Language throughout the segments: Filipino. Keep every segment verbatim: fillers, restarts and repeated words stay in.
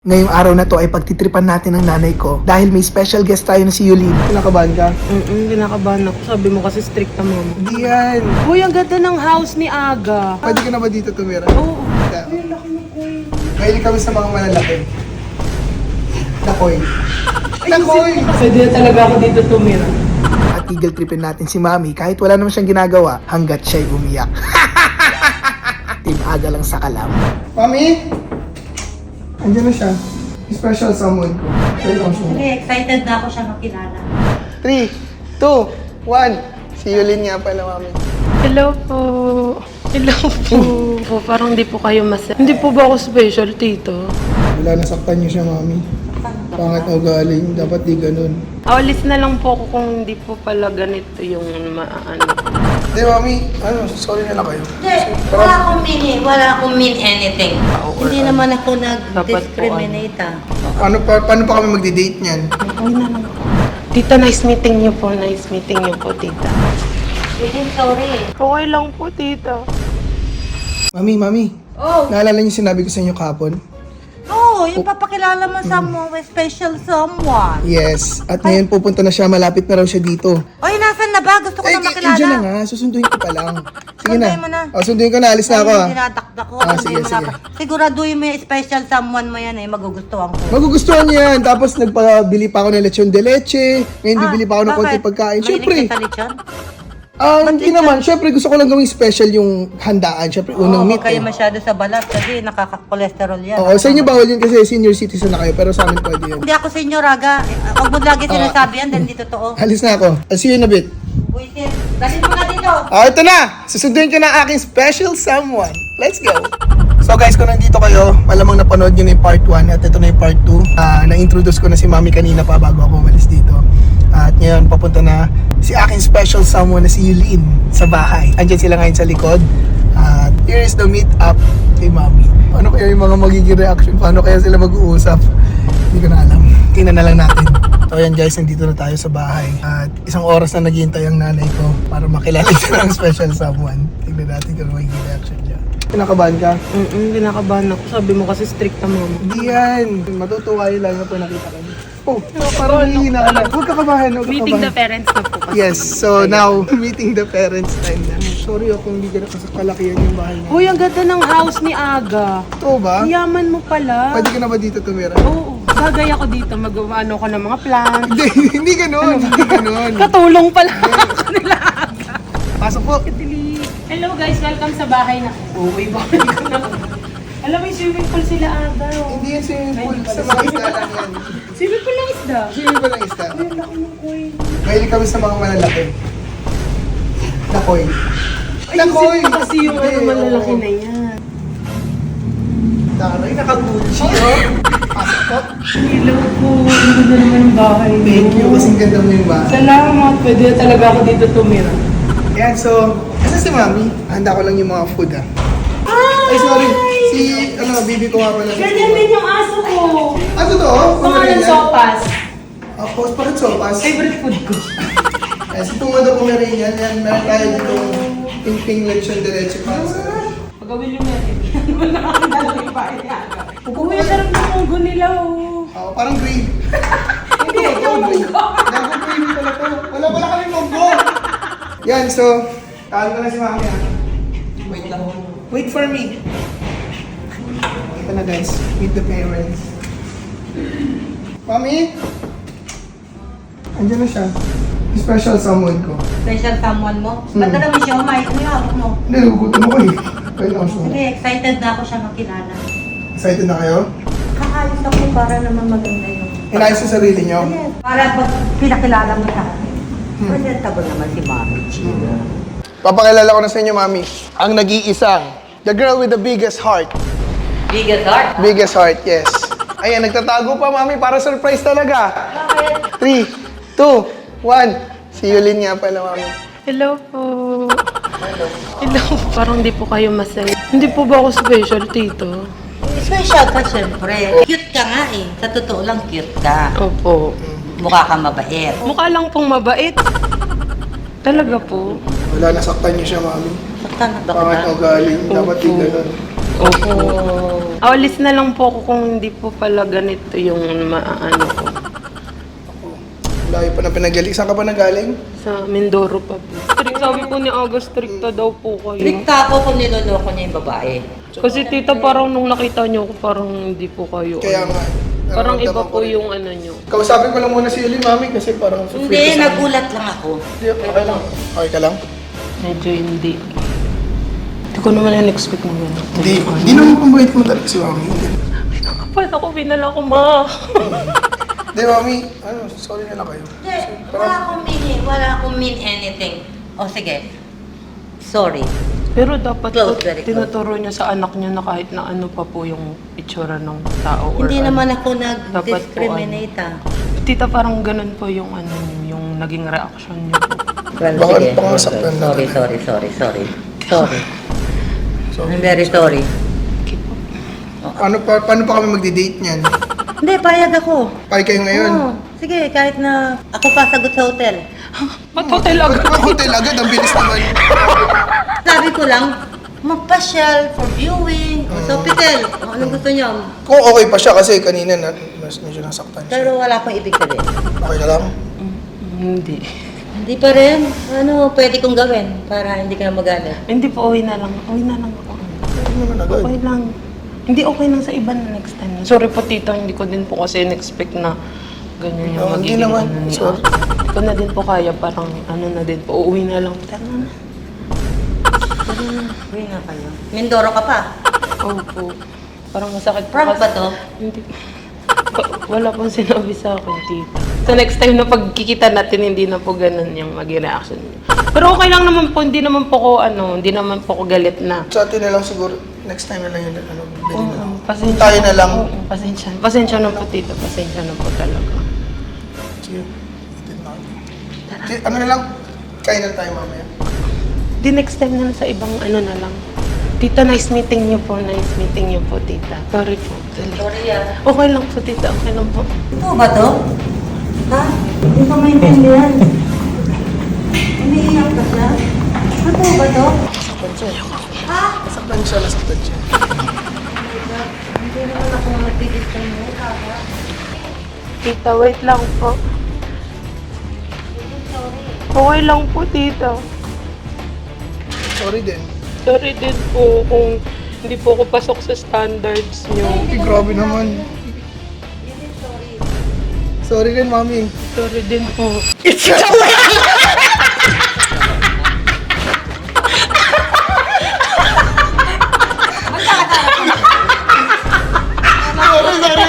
Ngayong araw na to ay pagtitripan natin ng nanay ko dahil may special guest tayo na si Yulin. Kinakabahan ka? Mm-mm, kinakabahan ako. Sabi mo kasi strict na mama. Hindi yan. Uy, ang ganda ng house ni Aga. Pwede ka na ba dito tumira? Oo. Yeah. Uy, ang laki ng coin. Mahilig kami sa mga malalaki. Nakoy. Nakoy! Pwede na talaga ako dito tumira. At eagle tripin natin si Mami kahit wala naman siyang ginagawa hanggat siya'y umiyak. Team Aga lang sa kalam. Mami! Andiyan na siya. Special someone ko. Welcome siya. Hindi, excited na ako siya makilala. three, two, one. Si Yulin nga pala, Mami. Hello po. Hello po. po. Parang hindi po kayo masaya. Hindi po ba ako special, tito? Wala, nasaktan niyo siya, Mami. Pangit o galing. Dapat di ganun. Awalis na lang po ako kung hindi po pala ganito yung maano. Hindi, Mami. Ano, sorry na lang kayo. Hindi, wala akong mean, wala akong mean anything. Hindi naman ako nag-discriminate ah. Paano pa, paano pa kami magdi-date niyan? Uy na lang ako. Tita, nice meeting niyo po. Nice meeting niyo po, tita. Hindi, sorry. Okay lang po, tita. Mami, Mami. Oh, Naalala niyo sinabi ko sa inyo kahapon? oh, yung papakilala mo sa mo, special someone. Yes. At ngayon pupunta na siya. Malapit na raw siya dito. Oy, nasan na ba? Gusto ko Eh, na eh, makilala. dyan na nga. Susunduin ko pa lang. Sige na. Sunduin mo na. Oh, sunduin ko na. Alis na ako, ah. Dinadakdak ko. Ah, sunduin sige, mo na sige. ako. Siguraduhin mo yung special someone mo yan eh, magugustuhan ko. Magugustuhan niya yan. Tapos nagpabili pa ako ng lechon de leche. Ngayon Ah, bibili pa ako ng konti bakit? pagkain. Mahilig Siyempre. ka sa lechon? Ah, hindi naman. Siyempre, gusto ko lang gawing special yung handaan. Siyempre, unang Oo, meet huwag kayo eh. masyado sa balat kasi nakaka-cholesterol yan. Oo, sa inyo bawal yun kasi senior citizen na kayo. Pero sa amin pwede yun. Hindi ako senior, Raga. Eh, Huwag mo lagi sinasabi yan, dahil hindi totoo. Alis na ako. I'll see you in a bit. Uy, sis, dalhin mo na dito. Ah, ito na! Susunduin ko na aking special someone. Let's go! So guys, kung nandito kayo, malamang napanood nyo na yung part one at ito na yung part two. Ah, na-introduce ko na si Mami kanina pa bago ako umalis dito. At ngayon, papunta na si aking special someone na si Yulin sa bahay. Andiyan sila ngayon sa likod. At here is the meet up kay Mami. Ano kaya yung mga magiging reaction? Paano kaya sila mag-uusap? Hindi ko na alam. Tingnan na lang natin. So ayan guys, nandito na tayo sa bahay. At isang oras na naghihintay ang nanay ko para makilala siya ng special someone. Tingnan natin kung magiging reaction niya. Kinakabahan ka? Mm-mm, kinakabahan ako. Sabi mo kasi strict na mama. Hindi yan. Matutuwa yun lang na po nakita ka niya. Oh, parang hihina ka na. Huwag ka kabahan, huwag ka Meeting the kabahan. parents na po kasi. Yes, so now, meeting the parents time na. Sorry ako, hindi ka na kasi kalakihan yung bahay niya. Uy, ang ganda ng house ni Aga. Ito ba? Ang yaman mo pala. Pwede ka na ba dito tumira? Oo. Bagay ako dito. Mag-ano ko ng mga plants. Hindi, hindi ganun, hindi ganun. Katulong pala ako nila Aga. Pasok po. Hello guys, welcome sa bahay na. Uy, bakit ko na. Alam mo yung swimming pool sila Aga. oh. Hindi yan swimming pool, sa mga isda lang yan. Swimming pool lang isda. Swimming pool lang isda. Ay, ang laki ng coin. Mahilig kami sa mga malalaki. Nakoy. Ay, Nakoy! isip ko kasi yung Hindi, ano malalaki oo. na yan. Taray, naka-Gucci, oh. Pasok po. Hello po. Ang ganda naman yung bahay. Thank you, kasing ganda mo yung bahay. Salamat. Pwede na talaga ako dito tumira. Ayan, so, kasi si Mami, handa ko lang yung mga food, ah. Ay, sorry. Si, ano, bibi ko nga pala. Ganyan din yung aso ko. Ah, totoo? Pangalan sopas. Ah, post pa rin sopas. Favorite food ko. Ayan, si Tungado Pomeranian, yan, meron tayo dito ping-ping lechon de leche pasta. Pagawin yung natin. Wala akong dalawang pa niya. Uy, ang sarap ng munggo nila, oh. Oh, parang gravy. Hindi, yung munggo. Gago gravy pala to. Wala pala kami munggo. Yan, so, tawag ko na si Mami, ah. Wait lang. Wait for me. Ito na guys, meet the parents. Mami? Andiyan na siya. Special someone ko. Special someone mo? Hmm. Ba't alam mo siya, Mike? Ano yung hawak mo? Hindi, nagugutom ako eh. Kaya lang siya. Hindi, excited na ako siya makilala. Excited na kayo? Kakayos ako para naman maganda yung... Inayos sa sarili niyo? Yes. Para pag pinakilala mo sa akin. Presentable naman si Mami Chino. Papakilala ko na sa inyo, Mami. Ang nag-iisang, the girl with the biggest heart. Biggest heart? Biggest heart, yes. Ayan, nagtatago pa, Mami, para surprise talaga. Bakit? three, two, one. Si Yulin nga pala, Mami. Hello po. Hello. Parang hindi po kayo masaya. Hindi po ba ako special, tito? Special ka syempre. Cute ka nga eh. Sa totoo lang cute ka. Opo. Mukha kang mabait. Mukha lang pong mabait. Talaga po. Wala, nasaktan niyo siya, Mami. Saktan na ba Pangat kita? o galing, dapat di Opo. ganun. Opo. Awalis na lang po ako kung hindi po pala ganito yung maano ko. Layo pa na pinagali. Saan ka ba nagaling? Sa Mindoro pa po. Strict, sabi po ni Aga, stricta daw po kayo. Trikta ako kung niloloko niya yung babae. Kasi tita, parang nung nakita niyo ako, parang hindi po kayo. Kaya ano. nga. Parang iba nararamdaman ko po rin. yung ano niyo. Kausapin ko lang muna si Eli, mami, kasi parang... Hindi, nagulat lang ako. Hindi, okay lang. Okay ka lang? Medyo hindi. Hindi ko naman in-expect mo yun. Hindi. Hindi naman pambait mo talaga si mami. Hindi. Kapag ako, pinala ko, ma. Hindi, mami. Ano, sorry na lang kayo. Hindi, wala akong mean, wala akong mean anything. O sige, sorry. Pero dapat Close, po, very close. tinuturo niya sa anak niya na kahit na ano pa po yung itsura ng tao. or Hindi ano. naman ako Dapat po, nag-discriminate ah. Tita, parang ganun po yung ano niyo, yung naging reaction niyo po. Well, Baka sige. pangasaktan na Sorry, talaga. sorry, sorry, sorry. Sorry. Sorry. I'm very sorry. Okay po. Ano pa, paano pa kami magdi-date niyan? Hindi, payag ako. Pay kayo ngayon? Oo. Sige, kahit na ako pa sagot sa hotel. Ba't hotel Ba't agad? ba hotel agad? Ang bilis naman. Sabi ko lang, magpasyal for viewing. O sa hotel. O anong gusto niyo? Kung okay pa siya kasi kanina na, mas medyo nasaktan siya. Pero wala akong ibig sabihin. Okay ka lang? Mm, Hindi. Hindi pa rin. Ano pwede kong gawin para hindi ka na magalit? Hindi po, uwi na lang. Uwi na lang ako. Ano naman agad? Okay lang. Hindi okay lang sa iba na next time. Sorry po tita, hindi ko din po kasi in-expect na ganyan yung Oh, hindi magiging naman. ano ni Sorry. Aga. Hindi ko na din po kaya, parang ano na din po, uuwi na lang. Tara na. Tara na. Uwi nga kayo. Mindoro ka pa. Opo. Parang masakit po. Prank kasi- ba to? Hindi. Wa- Wala pong sinabi sa akin, tita. So next time na pagkikita natin, hindi na po ganun yung maging reaction niyo. Pero okay lang naman po, hindi naman po ko ano, hindi naman po ko galit na. Sa atin na lang siguro, next time na lang yun. Ano, bili na lang. Oo, pasensya. Tayo na lang. Oo, pasensya. Pasensya na po, tita. Pasensya na po talaga. Sige. Itin na kami. Sige, ano na lang? Kain na tayo mamaya. Di next time na lang sa ibang ano na lang. Tita, nice meeting niyo po. Nice meeting niyo po, tita. Sorry po. Dali. Sorry ah. Okay lang po, tita. Okay lang po. Ito ba to? Ha? Hindi ko maintindihan. Umiiyak ka siya? Ito ba to? Nasaktan siya. Ha? Nasaktan siya, nasaktan siya. Hindi naman ako nagdi-discriminate ha? Tita, wait lang po. Sorry. Okay lang po, tita. Sorry din. Sorry din po kung hindi po ako pasok sa standards niyo. Ay, grabe naman. Sorry din, mami. Sorry din po. Sorry, sorry.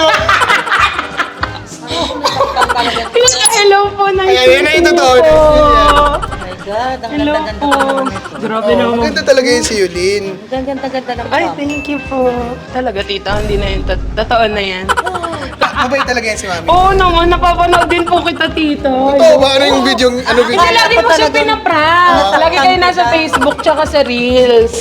Hello po, nice Ay, yun na yung meeting totoo. niyo po. Oh my God, ang Hello ganda-ganda po. pa naman ito. Grabe Oh, naman. maganda talaga yung si Yulin. Ang ganda-ganda lang Ay, pa. thank you po. Talaga, tita, hindi na yun. Tot- Totoo na yan. Mabait talaga yan si mami. Oo naman, napapanood din po kita, tita. Totoo ba? Ano yung video? Ano video? Kasi lagi mo siya pinaprank. Ah. Lagi kayo nasa Facebook tsaka sa Reels.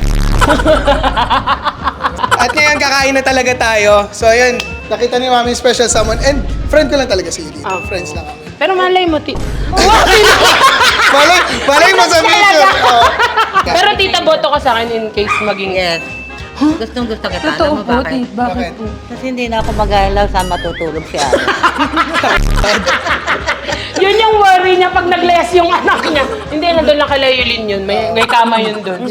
At ngayon, kakain na talaga tayo. So, ayun. Nakita ni mami yung special someone. And friend ko lang talaga si Yulin. Ah. Friends lang kami. Pero malay mo, tita. Malay, malay mo sa video. Oh. Pero tita, boto ka sa akin in case maging... Yes. Gustong gusto kita. Totoo Alam mo po, bakit? tita. Bakit Bakit? po? Kasi hindi na ako mag-aalaw saan matutulog si Ara. Yun yung worry niya pag nag-less yung anak niya. Hindi, nandun lang kay Layulin yun. May, may kama yun dun.